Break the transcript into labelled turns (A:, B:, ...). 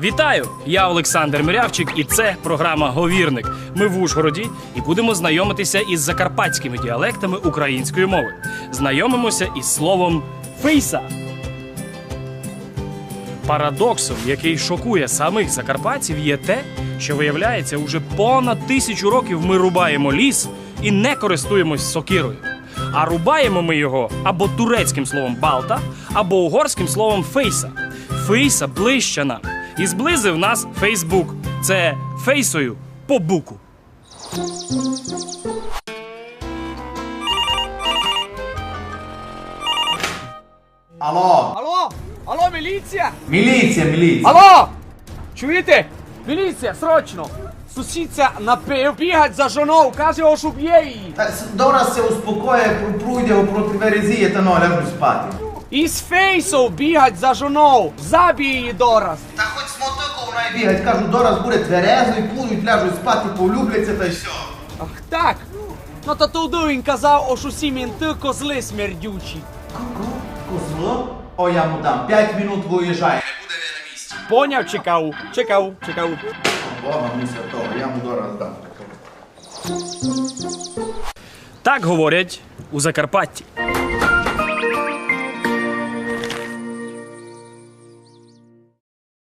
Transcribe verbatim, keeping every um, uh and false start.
A: Вітаю! Я Олександр Мирявчик, і це програма «Говірник». Ми в Ужгороді і будемо знайомитися із закарпатськими діалектами української мови. Знайомимося із словом «фейса». Парадоксом, який шокує самих закарпатців, є те, що, виявляється, уже понад тисячу років ми рубаємо ліс і не користуємось сокирою. А рубаємо ми його або турецьким словом «балта», або угорським словом «фейса». Фейса ближче нам. І зблизив нас Фейсбук. Це фейсою по буку.
B: Алло!
C: Алло! Алло, міліція!
B: Міліція, міліція!
C: Алло! Чуєте? Міліція, срочно! Сусідця напив, бігать за жоною, каже, ось уб'є її.
B: Та с- Дора се успокоє, пройде проти верезії та ну, ляжу спати.
C: Із фейсов бігать за жоною, забій її дораз.
B: Та хоч з мотиком вона й бігать, кажу, Дора буде тверезою, будуть, ляжуть спати, полюбляться та й все.
C: Ах так? Ну то туди він казав, ось усі мінти козли смердючі.
B: Козло? О, я му дам, п'ять минут виїжджає, не буде він на місці.
C: Поняв, чекав, чекав, чекав.
B: Бога муся того, я му Дора здам.
A: Так говорять у Закарпатті.